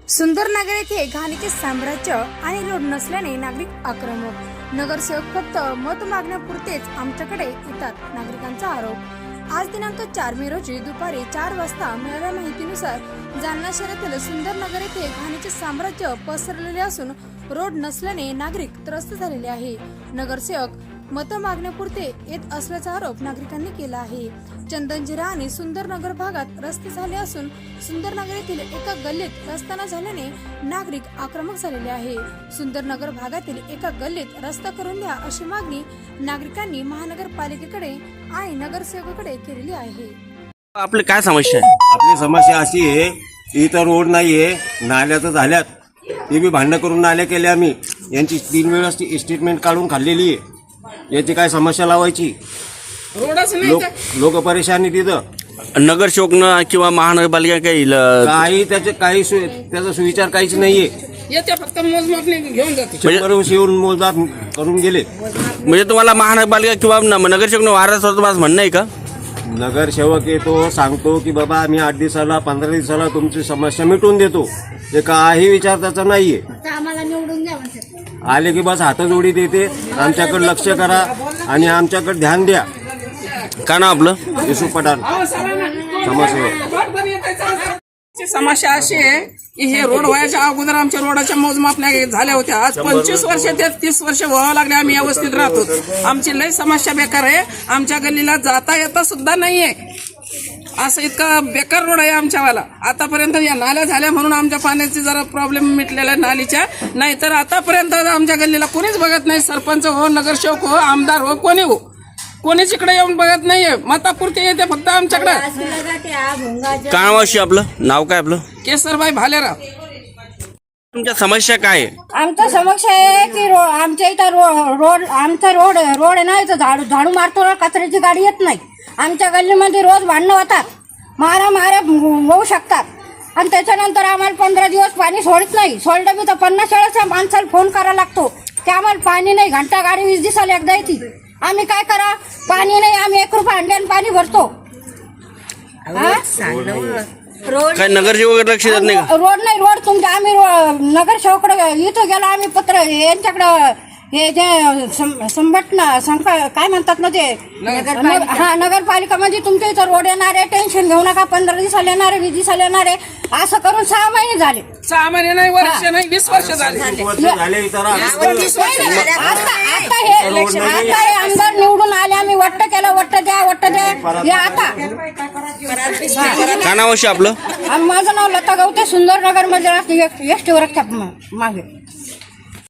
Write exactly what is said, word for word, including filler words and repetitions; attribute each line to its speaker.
Speaker 1: सुंदरनगर येथे घाणीचे साम्राज्य आणि रोड नसल्याने नागरिक आक्रमक. नगरसेवक फक्त मत मागण्यापुरतेच आमच्याकडे येतात, नागरिकांचा आरोप. आज दिनांक चार मे रोजी दुपारी चार वाजता मिळालेल्या माहितीनुसार जालना शहरातील सुंदरनगर येथे घाणीचे साम्राज्य पसरलेले असून रोड नसल्याने नागरिक त्रस्त झालेले आहे. नगरसेवक मत मागण्यापुरते येत असल्याचा आरोप नागरिकांनी केला आहे. चंदनजिरा आणि सुंदरनगर भागात रस्ते झाले असून सुंदरनगर येथील एका गल्लीत रस्ता न झाल्याने नागरिक आक्रमक झालेले आहे. सुंदरनगर भागातील एका गल्लीत रस्ता करून द्या अशी मागणी नागरिकांनी महानगरपालिकेकडे आणि नगरसेवकाकडे केलेली आहे.
Speaker 2: आपली काय समस्या आहे?
Speaker 3: आपली समस्या अशी आहे, इथं रोड नाहीये, नाल्या तर झाल्यात, ते बी भांडणं करून नाल्या केल्या आम्ही. यांची तीन वेळेस स्टेटमेंट काढून खाल्लेली आहे. याची काय समस्या लावायची? लोक लोक परेशानी तिथं.
Speaker 2: नगरसेवकनं किंवा महानगरपालिका काही ल-
Speaker 3: काही त्याचे काही सु- त्याचा सुविचार काहीच नाहीये.
Speaker 4: येते फक्त मोजमापने घेऊन जाते.
Speaker 3: शंभर वर्ष येऊन मोजदार करून गेले.
Speaker 2: म्हणजे तुम्हाला महानगरपालिका किंवा न- नगरसेवकनं वारस होतं माझं म्हणणं आहे का?
Speaker 3: नगरसेवक येतो, सांगतो की बाबा आम्ही आठ दिवसाला पंधरा दिवसाला तुमची समस्या मिटवून देतो. ते काही विचार त्याचा नाहीये.
Speaker 1: आम्हाला निवडून द्या म्हणतात.
Speaker 3: आले की बस हातजोडी देते, आमच्याकडे लक्ष करा आणि आमच्याकडे ध्यान द्या.
Speaker 2: का ना आपलं
Speaker 3: युसुफ पठाण समाजसेवक.
Speaker 4: समस्या अशी आहे की हे रोड व्हायच्या अगोदर आमच्या रोडाच्या मोजमापण्या झाल्या होत्या. आज पंचवीस वर्ष ते तीस वर्ष व्हावं लागले आम्ही व्यवस्थित राहतो. आमची लई समस्या बेकार आहे. आमच्या गल्लीला जाता येता सुद्धा नाहीये. असं इतका बेकार रोड आहे आमच्यावाला. आतापर्यंत या नाल्या झाल्या म्हणून आमच्या पाण्याची जरा प्रॉब्लेम मिटलेला आहे नालीच्या. नाहीतर आतापर्यंत आमच्या गल्लीला कोणीच बघत नाही. सरपंच हो, नगरसेवक हो, आमदार हो, कोणी हो, कोणीच इकडे येऊन बघत नाहीये. मतापुरते येते फक्त आमच्याकडे.
Speaker 2: का नावाशी आपलं नाव काय आपलं?
Speaker 4: केसरबाई भालेराव.
Speaker 2: तुमच्या समस्या काय आहे?
Speaker 5: आमचा समस्या आहे की रो आमच्या इथं रो रोड आमचा रोड रोड आहे ना, इथं झाडू झाडू मारतो ना, कचऱ्याची गाडी येत नाही. आमच्या गल्लीमध्ये रोज भांडणं होतात, मारा मारा होऊ शकतात. आणि त्याच्यानंतर आम्हाला पंधरा दिवस पाणी सोडत नाही. सोडलं बी तर पन्नास वेळेस माणसाला फोन करावा लागतो की आम्हाला पाणी नाही. घंटा गाडी वीस दिवसाला एकदा येते. आम्ही काय करा? पाणी नाही. आम्ही एक रुपया अंड्यान पाणी भरतो.
Speaker 2: काय नगरसेवक लक्ष देत नाही का?
Speaker 5: रोड नाही. रोड तुमच्या आम्ही नगरसेवकडे इथं गेलो आम्ही पत्र यांच्याकडं. हे जे सं- संघटना संक काय म्हणतात ना ते नगर- हा नगरपालिका म्हणजे तुमच्या इथं रोड येणार आहे, टेन्शन घेऊ नका, पंधरा दिवसाला येणार आहे, वीस दिवसाला येणार आहे, असं करून सहा महिने झाले.
Speaker 4: सहा महिने नाही, वर्ष नाही, वीस वर्ष झाले.
Speaker 3: वर्ष झाले इथं राहतो.
Speaker 5: आता आता हे आता हे आमदार निवडून आले, आम्ही वट्ट केलं, वट्ट द्या वट्ट द्या. हे आता
Speaker 2: का नावाशी आपलं?
Speaker 5: आम- माझं नाव लता गवते, सुंदरनगर मध्ये एस टी वर मागे.